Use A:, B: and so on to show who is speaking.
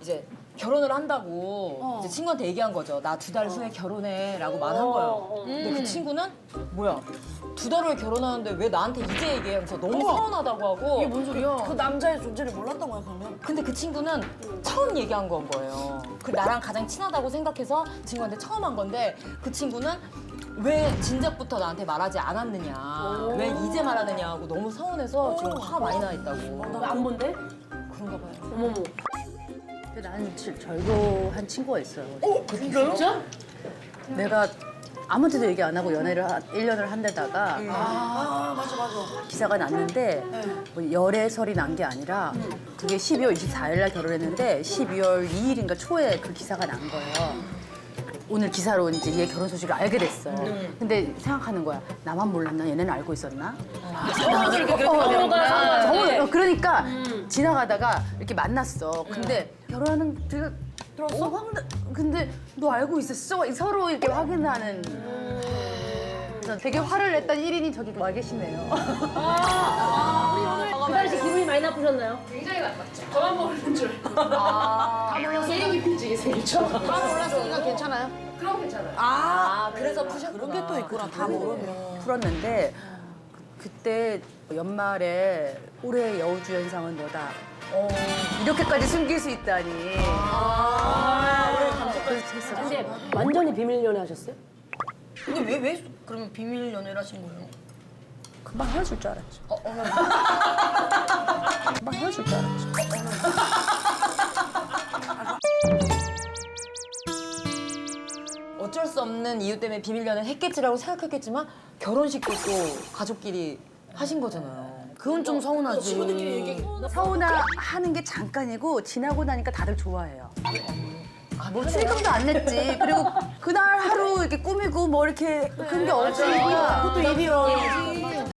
A: 이제 결혼을 한다고 이제 친구한테 얘기한 거죠. 나 2달 후에 결혼해라고 말한 거예요. 근데 그 친구는 뭐야? 2달 후에 결혼하는데 왜 나한테 이제 얘기하면서 너무 서운하다고 하고.
B: 이게 뭔 소리야? 그 남자의 존재를 몰랐던 거야 그러면?
A: 근데 그 친구는 처음 얘기한 건 거예요. 그 나랑 가장 친하다고 생각해서 친구한테 처음 한 건데 그 친구는 왜 진작부터 나한테 말하지 않았느냐, 왜 이제 말하느냐 하고 너무 서운해서 지금 화가 많이 나 있다고.
B: 왜 안 본대?
A: 그런가 봐요.
B: 어머머.
C: 근데 나는 절교한 친구가 있어요.
B: 진짜?
C: 내가 아무한테도 얘기 안 하고 연애를 1년을 한 데다가
B: 아 맞아.
C: 기사가 났는데 뭐 열애설이 난 게 아니라 그게 12월 24일 날 결혼했는데 12월 2일인가 초에 그 기사가 난 거예요. 오늘 기사로 이제 얘 결혼 소식을 알게 됐어. 근데 생각하는 거야. 나만 몰랐나? 얘네는 알고 있었나? 그러니까 지나가다가 이렇게 만났어. 근데 결혼하는 데가 들었어? 근데 너 알고 있었어? 서로 이렇게 확인하는. 그래서 되게 화를 냈던 1인이 저기 와 계시네요.
B: 그 당시 기분이 많이 나쁘셨나요?
D: 굉장히 나빴죠. 저만 모르는 줄. 세계 깊이지게 생겼죠.
B: 다 몰랐으니까 괜찮아요?
D: 그럼 괜찮아요.
A: 그래서 푸셨구나.
B: 그런 게 또 있구나 다 모르면.
C: 풀었는데 그때 연말에 올해의 여우주연상은 너다. 이렇게까지 숨길 수 있다니. 그래서 했어.
B: 근데 완전히 비밀 연애 하셨어요?
E: 근데 왜 그러면 비밀 연애를 하신 거예요?
C: 금방 헤어질 줄 알았지. 금방 헤어질 줄 알았지.
A: 어쩔 수 없는 이유 때문에 비밀 연애를 했겠지라고 생각했겠지만 결혼식도 또 가족끼리 하신 거잖아요.
E: 그건 좀 서운하지.
C: 서운하는 게 잠깐이고 지나고 나니까 다들 좋아해요. 뭐 출금도 안 냈지. 그리고 그날 하루 이렇게 꾸미고 뭐 이렇게 그런 게 없지.
B: 그것도 일이야.